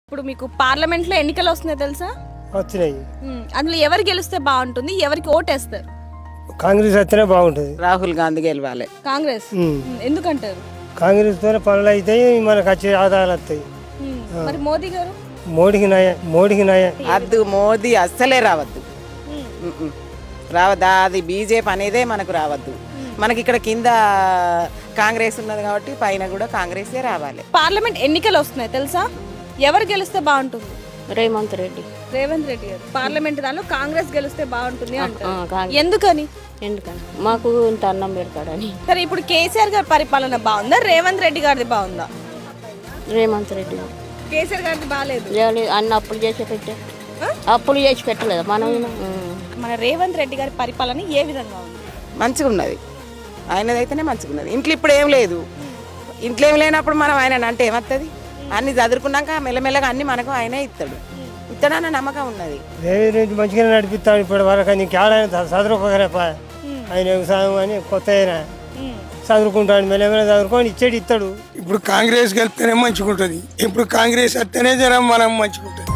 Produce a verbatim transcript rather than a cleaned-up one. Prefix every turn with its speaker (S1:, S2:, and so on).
S1: ఇప్పుడు మీకు పార్లమెంట్లో ఎన్నికలు వస్తున్నాయి తెలుసా?
S2: వచ్చినాయి.
S1: ఉమ్, అందులో ఎవరు గెలిస్తే బాగుంటుంది, ఎవరికి ఓటేస్తారు?
S2: కాంగ్రెస్ వస్తేనే బాగుంటుంది.
S3: రాహుల్ గాంధీ గెలవాలి.
S1: కాంగ్రెస్.
S2: ఉమ్.
S1: ఉమ్, ఎందుకంటారు?
S2: కాంగ్రెస్ తోనే పనులు అవుతాయి, మనకు వచ్చే ఆదాయాలు వస్తాయి.
S1: ఉమ్, మరి మోదీ గారు?
S2: మోడీకి నయ మోడీకి నయ
S3: అద్దు మోదీ అస్సలే రావద్దు.
S1: ఉమ్,
S3: ఉమ్మ్. రావద్దా, అది బీజేపీ అనేదే మనకు రావద్దు. మనకి ఇక్కడ కింద కాంగ్రెస్ ఉన్నది కాబట్టి పైన కూడా కాంగ్రెసే రావాలి.
S1: పార్లమెంట్ ఎన్నికలు వస్తున్నాయి తెలుసా? ఎవరు గెలిస్తే బాగుంటుంది?
S4: రేవంత్ రెడ్డి.
S1: రేవంత్ రెడ్డి గారు. పార్లమెంట్ దానిలో కాంగ్రెస్ గెలిస్తే బాగుంటుంది అంటారు.
S4: ఆ, కాంగ్రెస్.
S1: ఎందుకని?
S4: ఎందుకని మాకు ఇంత అన్నం పెడతాడని.
S1: సరే, ఇప్పుడు కేసీఆర్ గారి పరిపాలన బాగుందా, రేవంత్ రెడ్డి గారిది బాగుందా?
S4: రేవంత్ రెడ్డి
S1: కేసీఆర్ గారిది బాగాలేదు.
S4: లేదు, అన్ని అప్పులు చేసి పెట్టే అప్పులు చేసి పెట్టలేదు మనం. ఉమ్.
S1: మన రేవంత్ రెడ్డి గారి పరిపాలన ఏ విధంగా ఉంది?
S3: మంచిగా ఉన్నది, ఆయనదైతేనే మంచిగా ఉన్నది. ఇంట్లో ఇప్పుడు ఏం లేదు. ఇంట్లో ఏం లేనప్పుడు మనం ఆయన అంటే ఏమవుతుంది? అన్ని చదువుకున్నాక మెల్లమెల్లగా అన్ని మనకు ఆయనే ఇస్తాడు. ఇస్తాడన్న నమ్మకం ఉన్నది.
S2: రేవంత్ రెడ్డి మంచిగానే నడిపిస్తాడు ఇప్పటి వరకు. నీకు ఆడాయన చదువుకోగలపా, ఆయన వ్యవసాయం అని కొత్త అయినా చదువుకుంటాడు, మెల్లమెల్ల చదువుకొని ఇచ్చేది ఇస్తాడు.
S5: ఇప్పుడు కాంగ్రెస్ గెలిస్తేనే మంచిగా ఉంటుంది. ఇప్పుడు కాంగ్రెస్ వస్తేనే జనం మనం మంచిగా ఉంటుంది.